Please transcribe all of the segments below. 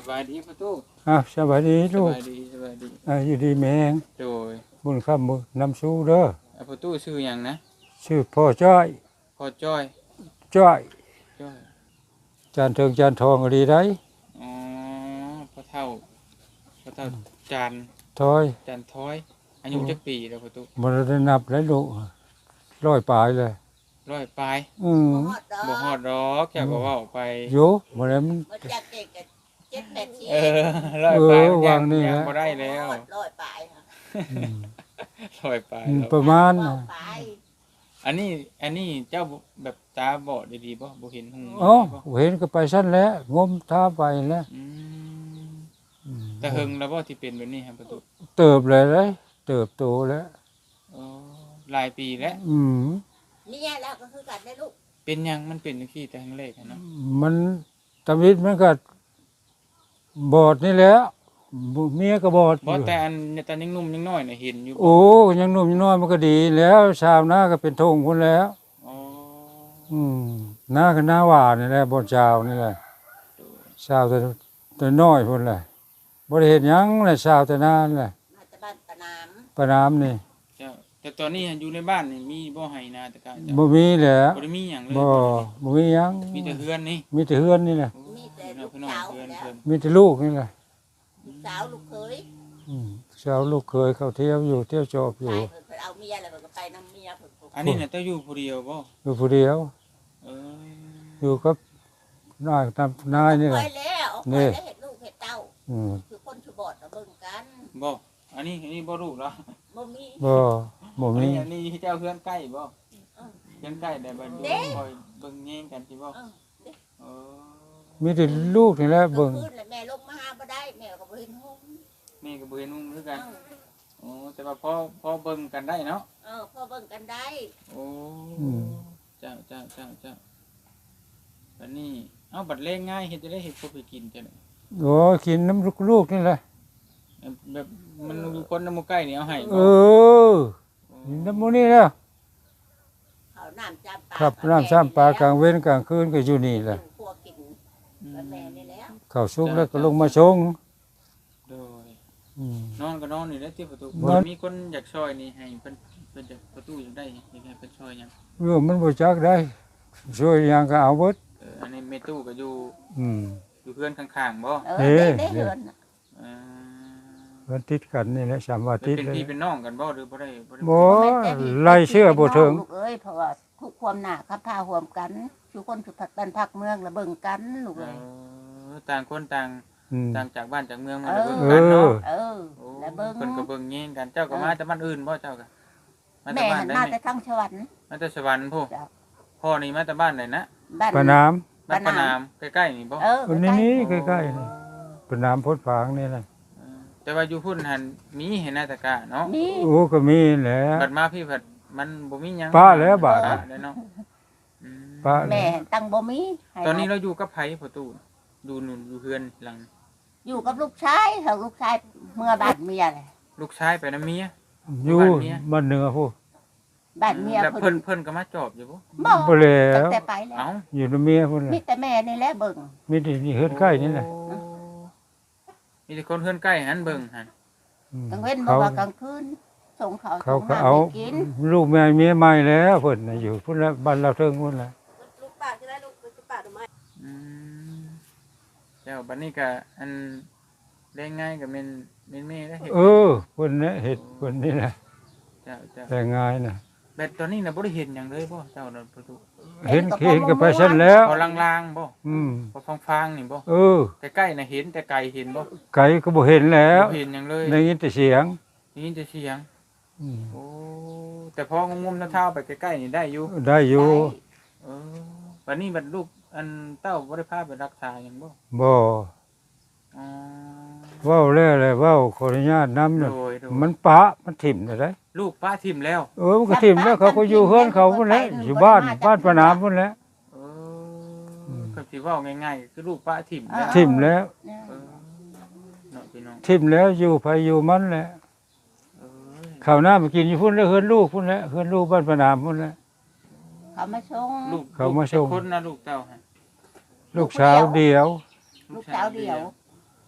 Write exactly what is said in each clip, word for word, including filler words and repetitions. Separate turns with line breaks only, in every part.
บายดีประตู
อ้าวสวัสดี
ส
ลูก
บายดีสบายดี
อ่าอยู่ดีแมง
โดย
บุญคำบุญนำสู้เด้อ
อ่ะประตูชื่อหยังนะ
ชื่อพ่อจ้อย
พ่อจ้อย
จ้อย
จ้อย
จานเทิงจานทองก็ดีได้
อ๋อพ่อเฒ่าพ่อเฒ่าจาน
ทอย
จานท้อยอายุจักปีแล้วประตู
บ่ได้นับแล้วลูกร้อยปลายเลย
ร้อยปลาย
อืม
บ่ฮอดดอกแค่ก็เว้าไป
อยู่บ่ได้มัน
มันจากเด็กกับเจ็ดแปดชี
เออร้อยปลาย
เออ
มัน
วา
ยัง
งนี่
ยัง
ฮะ
บ่ได้แล้ว
ร้อยปลายค่ะ
อืม
ร้อยปลาย
อืม
แล้ว
ประมาณ
ร้อ
น่ะ
ยปลาย
อันนี้อันนี้เจ้าแบบตาบอดดีๆบ่บ่เห็นหู
อ๋อ
บ่
เห็นก็ไปซั่นแล้วงมท่าไปแล้ว
อืม
อืม
แต่เฮิงแล้วบ่ที่เป็นแบบนี้ครับประตู
เติบเลยเลยเติบโตแล้ว
อ๋อหลายปีแล้ว
อืม
นี่ไงแล้วก็คือกันได้ลูก
เป็นหยังมันเป็นจังซี่แต่ครั้งแรกอะเนาะ
มันตำลิดมันก็บอดนี่แหล้วเมียก็บอด
บ่
อยู่
แต่อันตอนยังหนุ่มยังน้อยน่ะเห็นอยู่
โอ้ยังหนุ่มยังน้อยมันก็ดีแล้วชาวนาก็เป็นทงคนแล้ว
อ๋อ
อืมหน้าก็หน้าหวานนี่แหละบนชาวนี่แหละชาวแต่แต่น้อยคนแหละบ่ได้เห็นหยังเลยชาวแต่นานแหละ
มาจากบ้านตะนาม
ปะน้ำนี่
เจ้าแต่ตอนนี้อยู่ในบ้านนี่มีบ่ให้นาแต่กะเจ้า
บ่มีแหละ
บ่ได้มีหยังเลย
บ่บ่มีหยัง
มีแต่เฮือนนี่
มีแต่เฮือนนี่แหละ
มีแต่ลูก
พี่น้อง
สาว
เฮือน
แล้ว
เพิ่น
มีแต่ลูกนี่แหละ
ลูกสาวลูกเคย
อืมชาวลูกเคยเข้าเที่ยวอยู่เที่ยวจอบอ
ไป
ยู่
เพิ่นเพิ่นเอาเมียแล้วเพิ่นก็ไปนำเมียเพิ่นเพิ่น
อันนี้น่ะเจ้าอยู่ผู้เดียวบ่
อยู่ผู้เดียว
เออ
อยู่กับนายตามนายนี่แห
ไป
ละ
แล้วเอา
นี่
ไปแล้วเห็ดลูกเห็ดเต้า
อืม
คือคนชุบอดเอาเบิ่งกัน
บ่อันนี้อันนี้บ่รู้แล้ว
บ่มี
บ่บ่
อัน
มี
นี้อันนี้เจ้าเฮือนใกล้บ่เฮือนใกล้ได้บ่อยู่คอยเบิ่งแย่งกันสิบ่
เออ
เออ
มีแต่ลูกนี่แหละ
กลา
เบิ่
ง
ง
คืนแล้วแม่ลงมาหาบ่ได้แม่ก็บ่เห็นห้อง
แม่ก็บ่เห็นนุ่งคือกัน
เออ
โอ้แต่ว่าพอพอเบิ่งกันได้เนาะ
เออพอเบิ่งกันได้
โอ้เจ้าเจ้าเจ้าเจ้าบัดนี้เอ้าบัดเล่งง่ายเฮ็ดจะได้เฮ็ดพวกไปกินจังได๋
โอ้กินน้ำลูกๆนี่แหละ
แบบมันอยู่คนน้ำหมูใกล้นี่เอาให้
เออกินน้ำหมูนี่แล้ว
เขาน้ำจำปา
ครับน้ำซ้ำปลากลางเว้นกลางคืนก็อยู่นี่แหละ
พวกกินกับแม่นี่แล้ว
เข้าซุกแล้วก็ลงมาชง
โดย
อืม
นอนก็นอนนี่แหละที่ประตู
นอน
มีคนอยากช่วยนี่ให้เพิ่นเพิ่นจะประตูอยากได้อยากให้เพิ่นช่วยหยัง
เรื่องมันบ่จักได้ช่วยหยังก็เอาเบิด
เอออันนี้แม่ตู้ก็อยู่
อืม
อยู่เพื่อนข้างๆบ่
เออได้ได้เหือนน่ะ
เออ
มันติดกันนี่แหละสามว่า
เพิ่
ติ
น
ด
เป็น
เลย
พี่เป็นน้องกันบ่หรือบ่ได้บ่ได้
บ่ไล่เชื่อบ่ถึง
ลูกเอ้ยเพราะว่าทุกความหนาครับพาห่วมกันทุกคนทุกผักกันพักเมืองแล้วเบิ่งกันลูก
เอ
เอ้ย
อต่างคนต่าง
อืม
ต่างจากบ้านจากเมืองมา
เอ
แล้ว
อ
เบิ่งกันเนาะ
เออ
โอ้
แล้วเบิ่ง
เพิ่นก็เบิ่งแย่งกันเจ้าก็มาแต่บ้านอื่นบ่เจ้าก็มาแต่
แม่
บ้าน
หัน
ได้
มา
ไหม
แต่ทางสวรรค์
มาแต่สวรรค์ผู้
จ้ะ
พ่อนี่มาแต่บ้านไหนนะ
บ้าน
ปะน้ำ
บ้านปะนามใกล้ๆนี่บ่
เออ
คนนี้นี่ใกล้ๆนี่ปะน้ำพดฝางนี่แหละ
เออแต่ว่าอยู่พุ่นหันมีเห็นหน้าตะกะเนาะ
นี่
โอ้ก็มีแหละ
บัดมาพี่ผัดมันบ่มีหยัง
ป้าแล้วบาด
ป้แล้วเนาะอืม
ป้า
แม่ตั้งบ่มีให้
ตอนนี้เราอยู่กับไผพ่อตู้ดูนู่นอยู่เฮือนหลัง
อยู่กับลูกชายเขาลูกชายเมื่อบ้านเมียเลย
ลูกชายไปนำเมีย
อยู่
บ้านเมีย
บ้านเหนือผู้
บ้านเมีย
แล้ว
เพิ่
เพิ่
น
นเพิ่นก็มาจอบอยู่บ่
บ่
บ่แล้
ตั้ง
ว
แต่ไปแล้ว
เอ้า
อยู่นำเมียพุ่น
มี
น่ะ
แต่แม่นี่แหละเบิ่ง
มีแต่นี่เฮือนใกล้นี่แหละ
โอ้มีแต่คนเฮือนใกล้หันเบิ่งหัน
อืม
กลางเว้นบ่
เขา
ว่ากลางคืนส่งเขา
เขา
ส่ง
ก็
น้ำ
เอา
ให้กิน
ลูกแม่เมียใหม่แล้วเพิ่นน่ะอยู่พุ่นละบ้านเราเทิงพุ่นละ
ลูกป้าจะได้ลูกจะป้าทำไม
อืมเจ้าบัดนี้ก็อันเล่นง่ายก็แม่นแม่นแม่ได้เฮ็ด
เออเพิ่นน่ะเฮ็ดเพิ่นนี่แหละ
เจ้าเจ้า
แต่ง่ายน่ะ
แบบตอนนี้น่ะบ่ได้เห็นหยังเลยบ่เจ้าน่ะประตู
เห็นเห็นก็ไปซั่นแล้ว
พอลางๆบ่
อืม
พอฟางๆนี่บ่
เออ
ใกล้ๆน่ะเห็นแต่ไกลเห็นบ่
ไก่ก็บ่เห็นแล้ว
บ่เห็นหยังเลย
ได้ยินแต่เสียง
ได้ยินแต่เสียง
อืม
โอ้แต่พองงมๆเท้าๆไปใกล้ๆนี่ได้อยู่
ได้อยู่
เออบัดนี้บัดลูกอันเต้าบ่ได้พาไปรักษาหยังบ่
บ่
อ๋อ
เว้าแล้วแหละเว้าขออนุญาตนำ
โด
น่ะ
ยโดย
มันปะมันถิ่มได้ได้
ลูกป้าทิ่มแล้ว
เออมันก็ถิ่มแล้วเขาก็อยู่เฮือนเขาพุ่นแหละอยู่บ้านบ้านปะนามพุ่นแหละ
เออก็สิเว้าง่ายๆคือลูกป้าทิ่มแล้ว
ถิ่มแล้ว
เออเนาะพี่น้อง
ถิ่มแล้วอยู่ไผอยู่มันแหละ
เอ้ย
ข้าวหน้ามากินอยู่พุ่นแล้วเฮือนลูกพุ่นแหละเฮือนลูกบ้านปะนามพุ่นแหละ
เขามาส่ง
ลูก
เขามาส่ง
ลูกจักคนนะลูกเต้าฮะ
ลูกสาวเดียว
ลูกสาวเดียว
อ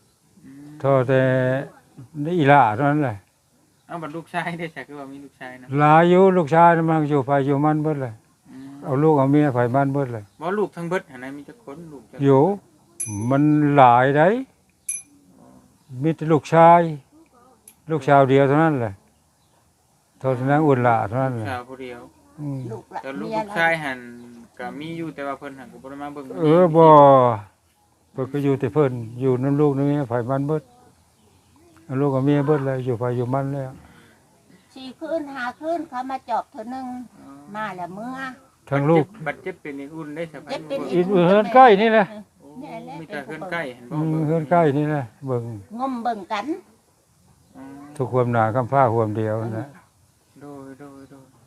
อืม
โทษแต่อีหล่าเท่านั้นแหละ
เอาบัดลูกชายได้ใช่คือว่ามีลูกชายนะ
หลายอยู่ลูกชายน่ะมันอยู่ไผอยู่มันเบิดเลย
อืม
เอาลูกเอาเมียไผมันเบิดเลย
บ่ลูกทั้งเบิดหั่นน่ะมีจักคนลูกจัก
อยู่มันหลายได้มีแต่ลูกชาย ลูกชาวเดียวเท่านั้นแหละโทษนั้นอุ่นหล่าเท่านั้นแหละ
ชาวผู้เดียว
อืม
ลูกละ
แต่ลูก
เมีย
ลูก
ละ
ชายหั่นก็มีอยู่แต่ว่าเพิ่นหั่นก็บ่ได้มาเบิ่ง
เออบ่เพิ่นก็อยู่แต่เพิ่นอยู่นํลูกนำเมียไผมันเบิดเอาลูกกับเมียเบิดเลยอยู่ไผอยู่มันแล้ว
สี่คืนห้าคืนเขามาจอบเธอหนึงมาแล้วเมื่อ
ทั้งลูก
บัดเจ็บเป็นอีกอุ่นได้สบาย
เจ็บเป็น
อีกเฮือนใกล้นี่แหละ
นี่แหละ
มีแต่เฮือนใกล้เห็นบ่
อืมเฮือนใกล้นี่แหละเบิ่ง
งมเบิ่งกัน
อ๋อ
ทุกความหนาคำผ้าความเดียวนะ
โดยโดยโดย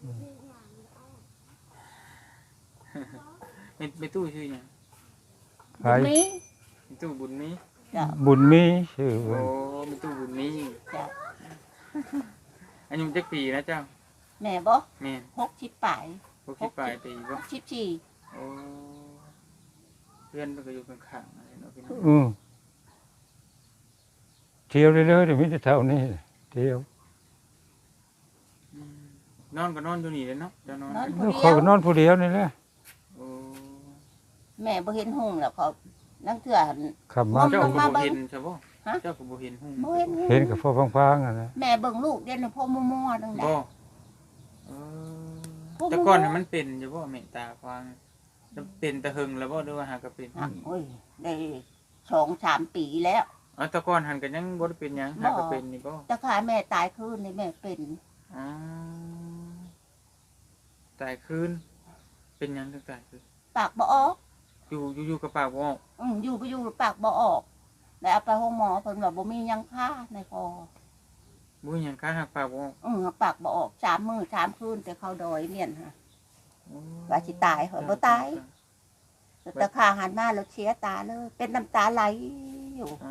มีมีตู้ชื่อหยัง
ไผ
บุญมี
มีตู้บุญมี
จ้ะ
บุญมีชื่อ
โอ้
เพิ่น
มีตู้บุญมี
จ้ะ
อายุจักปีนะเจ้า
แม่บ่
แม่น
หกสิบปลาย
หกสิบปลายปี
ห
บ่
กสิบสี่
โอ้เพื่อนมันก็อยู่ข้างๆอะไรเนาะพี่น้อง
อืมเที่ยวเรื่อยๆเดี๋ยวมีแต่เท่านี้เที่ยว
อืมนอนก็นอนอยู่นี่เลยเนาะเจะนอน
นอน
กัน
ผู้
แล้ว
เดี
เขา
ยว
ก็นอนผู้เดียวนี่แหละ
โอ้
แม่บ่เห็นหุ่งแล้วเขานั่งเถื่อ
ขับมา
เจ้า
ล
ก็
ง
บ่
มาเบิ่ง
เห็นใช่บ่
ฮะ
เจ้าก็บ่เห็นหุ่ง
บ่เห็นหุ่ง
เห็นกับพ่อพังๆอ่ะนะ
แม่เบิ่งลูกเดี๋ยวนี้พ่อมั่วๆนั่นแหละ
บ่เออ
พวก
แต่ก่อนน่ะมันเป็นอยู่บ่แม่ตาฟังจะเป็นตะหึงแล้วบ่หรือว่าหากก็เป็น
อ่ะโอ้ยได้สองสามปีแล้ว
อ๋อแต่ก่อนหันก็ยังบ่ได้เป็นหยังหากก็เป็นนี่บ่
แต่ขาแม่ตายคืนนี่แม่เป็น
อ๋อตายคืนเป็นหยังถึงตายคืน
ปากบ่ออก
อยู่อยู่อยู่กับปากบ่ออก
อืมอยู่ก็อยู่ปากบ่ออกแล้วเอาไปห้องหมอเพิ่นว่าบ่มีหยังค่าในคอ
บ่มีหยังค้าหักปากบ่ออก
อืมปากบ่ออกสามมื้อสามคืนแต่เขาดอยเมียนฮะ ว่าสิตายเหรอบ่ตาย แต่ขาหันมาแล้วเสียตาเลย เป็นน้ำตาไหลอยู่
อ๋อ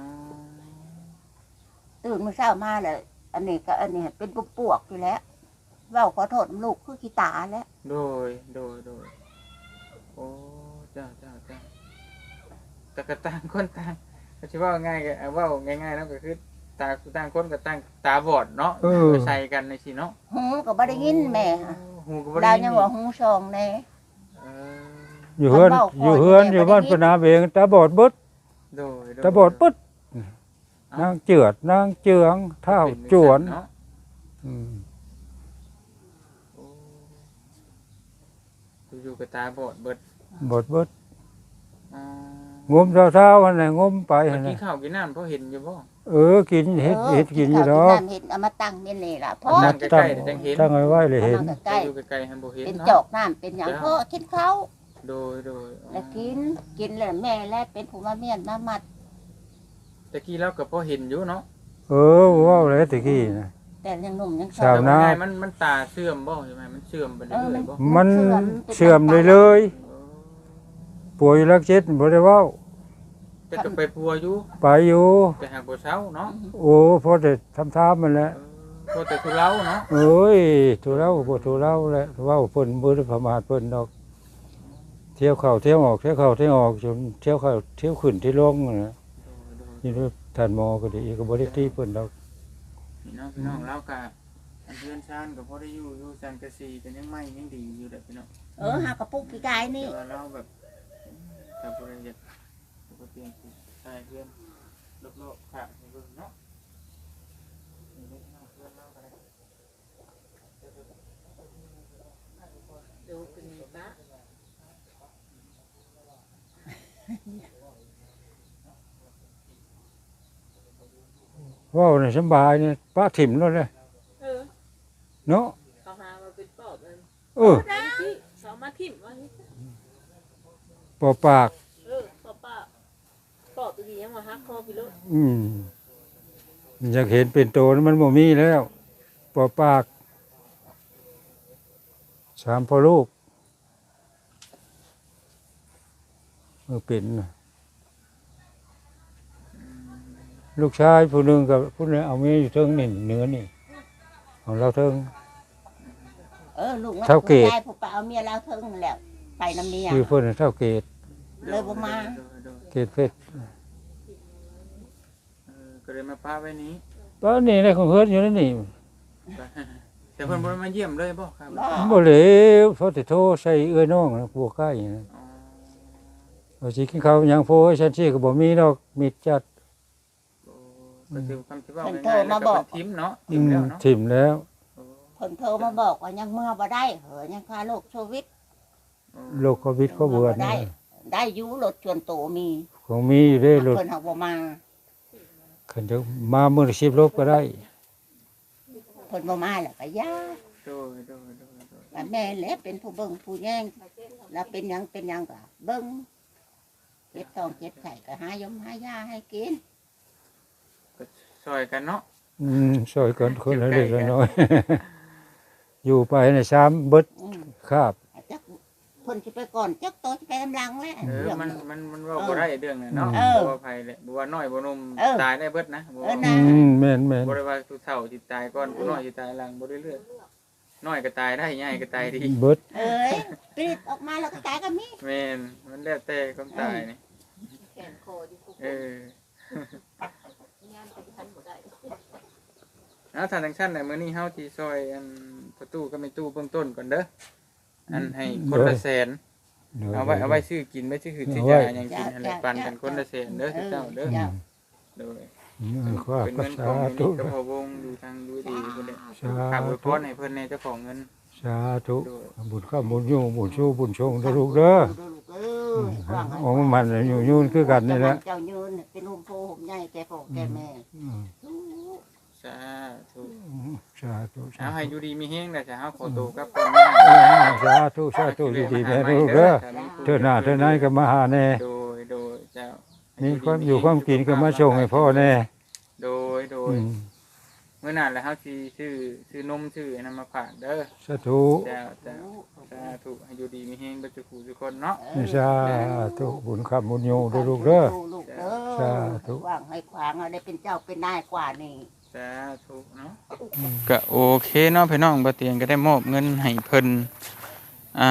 ตื่นมื้อเช้ามาแล้วอันนี้ก็อันนี้เป็นปวกๆอยู่แล้วเว้าขอโทษลูกคือขี้ตาแล้ว
โดยโดยโดยโอ้จ้าจ้าจ้าแต่ก็ต่างคนต่างก็สิว่าง่ายก็เอาเว้าง่ายๆแล้วก็คือตาต่างคนก็ต่างตาบอดเนาะไปใส่กันในสิเนาะ
หูก็บ่ได้ยินแม่ฮะ
หูก็บ่
ดา
ได้
ว
ยิน
ยังว่าหูชองแน่
เออ
อยู่เฮือน
มันเว้าคอย
อยู่เฮือน
แม่
อยู่บ้าน
บ่ได้ยิน
ปนาเบงตาบอดเบิด
โดยโย
ตาบอดปึ๊ดนางเจือดนางเจืองเท้าจวน
เนาะ
อืม
โอ้อยู่กับตาบอดเบิด
บอดเบิด
อ๋อง
มเช้าๆอันไหนงมไป
เมื่
อั
อน
ไหน
กี้ข้าวกินน้ำเพราะเห็นอยู่บ่
เออกินเห็ด
ออ
เห็ดกินอยู่
ข้าว
ดอก
น้ำเห็ดเอามาตั้งเม่นนี่ล่ะพ่อ
นั่
ตั้
ง
ง
ใกล้ๆเดี๋ยวจังเห็น
ตั้งไว้ไว้เลยเห็น
ใกล้
อยู่ไกลๆหันบ่เห็น
เป็น
เนาะ
จอกน้ำเป็นหยังพ่อกินข้าว
โดยโดยอ๋อ
แล้วกินกินแล้วแม่แล้วเป็นผู้มาเมียนมามัด
ตะกี้เราก็พอเห็นอยู่เนาะ
เออว่าอะไรตะกี้นะ
แต่ยังหนุ่มยัง
ชาวนา
แต่ว่ไงมันมันตาเสื่อมบ่ใช่ไหมมันเสื่อมไปเรื่อยๆบ่
มันเสื่อมเลยเลยป่วยรักเจ็ดบ่ได้เว้า
แต่ก็ไปปัวอยู่
ไปอยู่
แต่หากบ่เช้าเนาะ
โอ้พอแต่ทำทามมันแหละ
เออพอแต่ทุเลาเนาะ
เอ้ยถูเล่าบ่ถูเล่าแหละเว้าเพิ่นบ่ได้ประมาทเพิ่นดอก เที่ยวเข้าเที่ยวออกเที่ยวเข้าเที่ยวออกจนเที่ยวเข้าเที่ยวขึ้นที่ลงนั่นน่ะ
โดยโดย
นี่ด้วยท่านหมอก็ดีก็บ่ได้ตีเพิ่นดอก
พี่น้องพี่น้องเราก็อันเพื่อนชานก็พอได้อยู่อยู่สันกะสีกันยังไม่ยังดีอยู่เด้อพี่น้อง
เออหากระปุกพี่กายนี่
แต่ว่าเราแบบถ้าบ่ได้อยากก็เปลี่ยนสิใช่เพื่อนโลกๆค่ะให้เบิ่งเนาะนี่เด้อพี่น้องเพื่อนเราก็ได้
ดูเป็นบ้า
เว้านี่สำบายนี่ป้าถิ่มแล้วเลย
เออ
เนาะ
เขาหามาเป็นปอบเลย
เออ
ที่สามารถทิ่มว่า
ปอปาก
เออปอบป้าปอบตัวนี้ยังมาฮักคอพี่ลูก
อืมอยากเห็นเป็นโตนั้นมันบ่มีแล้วปอปากสามพ่อลูกเออเป็นน่ะลูกชายผู้หนึงกับผู้หนึงเอาเมียอยู่เทิงนี่เหนือนี่ของเราเทิง
เออลูก
เท่าเกต
ยายผู้ป่าเอาเมียแล้วเทิงแล้วไปน้ำเมีย
ชื่อเพิ่นน่ะเท่าเกต
เลยบ่มา
โดยโดย
เกตเพชร
อืก็เลยมาป้าไว้นี้
ตอนนี้ได้ของเฮือนอยู่ในนี่
แต่เพิ่นบ่ได้มาเยี่ยมเลยบ่ครับ
บ่
บ่เหลวเพราะแต่โทรใส่เอื้อยน้องนะกลัวใกล้นะ
อ๋อ
ว่าสิกินข้าวหยังโพให้ฉันสิก็บ่มีดอกมิดจัด
โอ้ก็คือคำที่ว่าง่ายๆแล้วก็เป็นทิมเนาะทิ
อื
ม
ม
แล้วเนาะ
ถิ่มแล้ว
โอ้
เพิ่นโทรมาบอกว่ายังเมื่อบ่ได้เหอะยังค่าโรคโควิด
โอ้
โรคโควิดเขาเบื่อ
ได้
นะ
ได้อยู่รถชวนโตมี
ของมีอยู่เด้รถ
เพิ่นเฮาบ่มา
คันจะมามื้อละสิบโลก็ได้
เพิ่นบ่มาแล้วก็ย่า
โดยโดยโดยโดย
ว่าแม่แหละเป็นผู้เบิ่งผู้แย่งแล้วเป็นหยังเป็นหยังก็เบิ่งเจ็บท้องเจ็บไข้ก็หายมหายาให้กิน
ก็ช่วยกันเนาะ
อืมช่วยกันคนละเล็กละน้อย อยู่ไปในซ้ำเบิด
อืม
คาบ
จักเพิ่นสิไปก่อนจักโตสิไปกำลังแหละ
เออ
เรื่อง
มันมันมันเว่าบ่ได้เรื่องน่ะเนาะ
เออ
บ่ว่าภัยแหละบ่ว่าน้อยบ่หนุ่ม
เออ
ตายได้เบิดนะบ่
เออ
อื
นะ
มแม่นแม่น
บ่ได้ว่าผู้เฒ่าสิตายก่อนผู้น้อยสิตายหลังบ่ได้เลือกน้อยก็ตายได้ใหญ่ก็ตายดี
เบิด
เอ้ยปลิดออกมาแล้วก็ตายก็มี
แม่นมันแล้วแต่ความตายนี่
แขนคออยู่คุก
เออ
งานเป็นพันบ่ได้
เอาทางทางชั้นน่ะมื้อนี้เฮาที่ซอยอันประตูก็ไม่ตู้เบื้องต้นก่อนเด้ออันให้คนละแสน
ดี๋ยว
เอาไว้เอาไว้ซื้อกินไว้ซื้อหืดซื้อยาหยังกินอะไรปันกันคนละแสนเด้อเจ้าเด้อ
จ้ะ
โดย
อืมขอ
เป็น
พระ
เงินข
สา
องมิ
ธุ
นิกับพอวงดูทางดูดีเพิ่นเด้
สา
ฝากอวยพ
ธุ
รให้เพิ่นแน่เจ้าของเงิน
สาธุบุญข้าบุญอยู่บุญชูบุญชงเด้อลูกเด้อ
ดูลูกเอ้ยว่างให้
โอ้มันอยู่ยืนคือกันนี่แหละ
เจ้ายืนเป็นหุ่มโพหุ่มใหญ่แก่พ่อแก่แม่
อืม
สาธุ
สาธุสา
เอาให้
ธุ
อยู่ดีมีแฮงเด้อจ้ะเฮาขอตัวกลับก่อน
สาธุสาธุดีๆแม่ลูกเด้อเธอหน้าเธอไหนก็มาหาแน่
โดยโดยเจ้า
มีความอยู่ความกินก็มาส่งให้พ่อแน่
โดยโด
อื
ย
ม
เมื่อนั้นแล้วเฮาสิซื้อซื้อนมซื้ออันนั้นมาฝากเด้อ
สาธุ
เจ้าเจ้าสาธุให้อยู่ดีมีแฮงเบ่ทุกผู้ทุกคนเนาะ
สาธุบุญข้าบุญอยู่เด้อลูกเด้อ
ลูกเด้
สา
อ
ธุ
ว่างให้ขวางเอาได้เป็นเจ้าเป็นนายกว่านี่
สาธุเนาะก็โอเคเนาะพี่น้องบ่เตียงก็ได้มอบเงินให้เพิ่นอ่า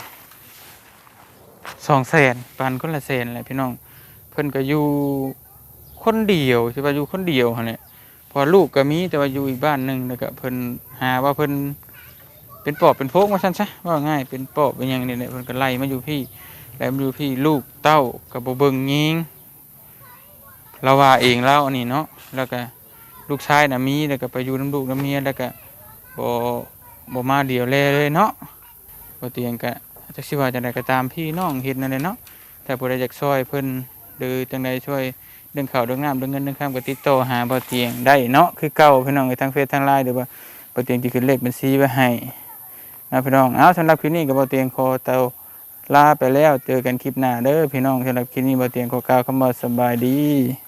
สองแสนปันคนละแสนแหละพี่น้องเพิ่นก็อยู่คนเดียวใช่ป่ะอยู่คนเดียวหั่นแหละพอลูกก็มีแต่ว่าอยู่อีกบ้านหนึงแล้วก็เพิ่นหาว่าเพิ่นเป็นปอบเป็นโพกว่าซั่นซะว่าง่ายเป็นปอบเป็นหยังนี่แหละเพิ่นก็ไล่มาอยู่พี่แล้วมาอยู่พี่ลูกเต้าก็บ่เบิ่งยิงเราว่าเองแล้วอันนี้เนาะแล้วก็ลูกชายน่ะมีแล้วก็ไปอยู่นำลูกนำเมียแล้วก็บ่บ่มาเดียวแลเลยเนาะบ่เตียงก็จักสิว่าจังไดก็ตามพี่น้องเฮ็ดนั่นแหละเนาะแต่ผู้ใดอยากช่วยเพิ่นหรือจังใดช่วยเรื่องข้าวเรื่องน้ำเรื่องเงินเรื่องข้ามก็ติดต่อหาบ่เตียงได้เนาะคือเก่าพี่น้องในทางเฟซทาง ไลน์หรือว่าบ่เตียงสิขึ้นเลขบัญชีไว้ให้นะพี่น้องเอาสำหรับคลิปนี้ก็บ่เตียงขอเตาลาไปแล้วเจอกันคลิปหน้าเด้อพี่น้องสำหรับคลิปนี้บ่เตียงขอกล่าวคำว่าสบายดี